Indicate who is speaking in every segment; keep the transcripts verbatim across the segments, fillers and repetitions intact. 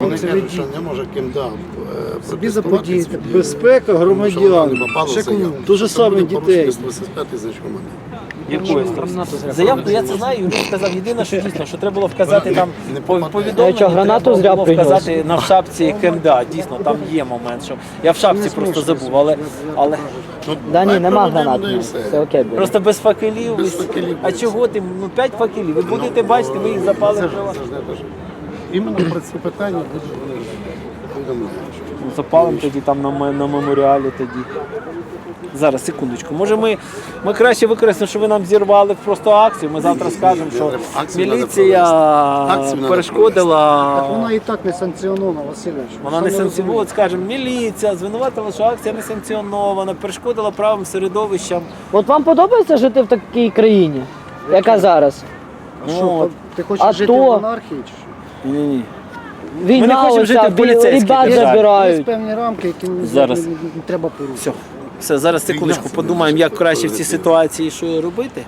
Speaker 1: Вони кажуть, що не може КМДА
Speaker 2: Собі заподіяти.
Speaker 3: Безпека громадян.
Speaker 1: Ще кому?
Speaker 3: Дуже саме дітей.
Speaker 4: Якоїсь заявку, я це знаю, Юрій сказав, єдине, що дійсно, що треба було вказати там повідомлення,
Speaker 5: що, гранату зря
Speaker 4: треба було
Speaker 5: принес?
Speaker 4: вказати на шапці КМДА, дійсно, там є момент, що я в шапці просто забув, але, але
Speaker 5: Да ні, нема гранат. Все окей буде.
Speaker 4: просто без факелів,
Speaker 1: Без факелів.
Speaker 4: а чого ти, ну п'ять факелів, ви будете бачити, ви їх запали.
Speaker 1: Іменно про це питання буде вони повідомляють.
Speaker 4: Ну, запалимо тоді там на, ме- на меморіалі тоді. Зараз, секундочку. Може ми, ми краще використаємо, що ви нам зірвали просто акцію. Ми завтра скажемо, що
Speaker 1: Акцію треба
Speaker 4: міліція
Speaker 1: провести. Акцію треба
Speaker 4: перешкодила.
Speaker 2: Так вона і так не санкціонована, Васильович.
Speaker 4: Вона не санкціонована, скажемо, міліція звинуватила, що акція не санкціонована, перешкодила правим середовищам.
Speaker 5: От вам подобається жити в такій країні, яка зараз?
Speaker 2: А що,
Speaker 4: от.
Speaker 2: ти хочеш
Speaker 5: А
Speaker 2: жити
Speaker 5: то-
Speaker 2: в анархії? Чи що?
Speaker 4: Ні-ні.
Speaker 5: Війна,
Speaker 4: не хочемо жити
Speaker 5: оця,
Speaker 4: в поліцейській
Speaker 5: ребят
Speaker 4: державі.
Speaker 2: Є
Speaker 5: забирають.
Speaker 2: певні рамки, які не,
Speaker 4: Зараз.
Speaker 2: не, не, не треба порушити.
Speaker 4: Все. Все, зараз секундочку подумаємо, як краще в цій ситуації, що робити.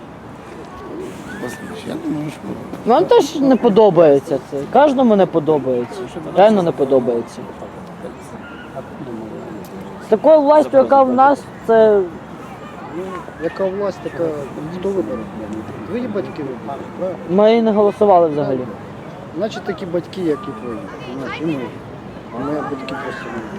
Speaker 1: Я думаю, що
Speaker 5: Вам теж не подобається це. Кожному не подобається. Реально не подобається. З такою властю, яка в нас, це
Speaker 2: Яка власть, така хто вибере? Твої батьки виберуть, правильно?
Speaker 5: ми і не голосували взагалі.
Speaker 2: Значить такі батьки, як і твої. Знаєш, і ми. А мої батьки просто не.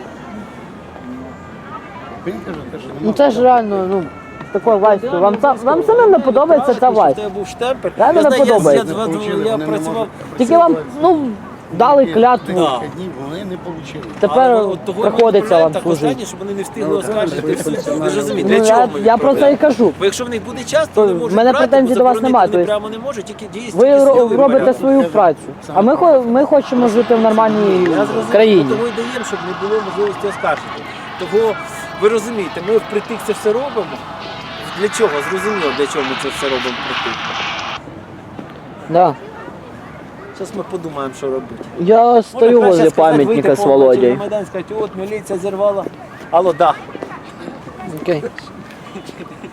Speaker 1: він каже, те, що
Speaker 5: Ну це ж реально, ну, з такою властю. Вам, са- вам самим не подобається ця власть.
Speaker 4: Я був штемпель.
Speaker 5: Реально
Speaker 4: Я
Speaker 5: не
Speaker 4: знаю, я-
Speaker 5: подобається.
Speaker 4: Я, я, я працював.
Speaker 5: Тільки вам, ну, дали клятву.
Speaker 4: Да.
Speaker 1: днів вони не отримали.
Speaker 5: Тепер
Speaker 4: Але от того
Speaker 5: приходиться
Speaker 4: ми
Speaker 5: вам
Speaker 4: так
Speaker 5: служити.
Speaker 4: останнє, щоб вони не встигли оскаржити в суд. Ви ж розумієте,
Speaker 5: Ну,
Speaker 4: для чого
Speaker 5: я,
Speaker 4: ми
Speaker 5: я про це і
Speaker 4: відправляємо?
Speaker 5: кажу.
Speaker 4: Бо якщо в них буде час,
Speaker 5: То
Speaker 4: то вони
Speaker 5: в
Speaker 4: можуть
Speaker 5: мене
Speaker 4: брати,
Speaker 5: претензій
Speaker 4: бо
Speaker 5: до вас
Speaker 4: заборонити
Speaker 5: немає,
Speaker 4: вони
Speaker 5: тобто
Speaker 4: прямо не можуть, тільки дійсно.
Speaker 5: Ви
Speaker 4: тільки
Speaker 5: ро-
Speaker 4: сили
Speaker 5: робите
Speaker 4: вибирають.
Speaker 5: свою працю, а ми, хо- ми хочемо жити в нормальній
Speaker 4: Я зрозумів,
Speaker 5: країні.
Speaker 4: ми того і даємо, щоб не було можливості оскаржити. Того, ви розумієте, ми впритик це все робимо. Для чого? Зрозуміло, для чого ми це все робимо впритик.
Speaker 5: Да.
Speaker 4: Зараз ми подумаємо, що робити.
Speaker 5: Я стою
Speaker 4: Може, краще
Speaker 5: возле
Speaker 4: сказати,
Speaker 5: пам'ятника
Speaker 4: вийти
Speaker 5: з
Speaker 4: по вулиці
Speaker 5: Володєю.
Speaker 4: на Майдан, сказати, от міліція зірвала. Алло, да.
Speaker 5: Окей.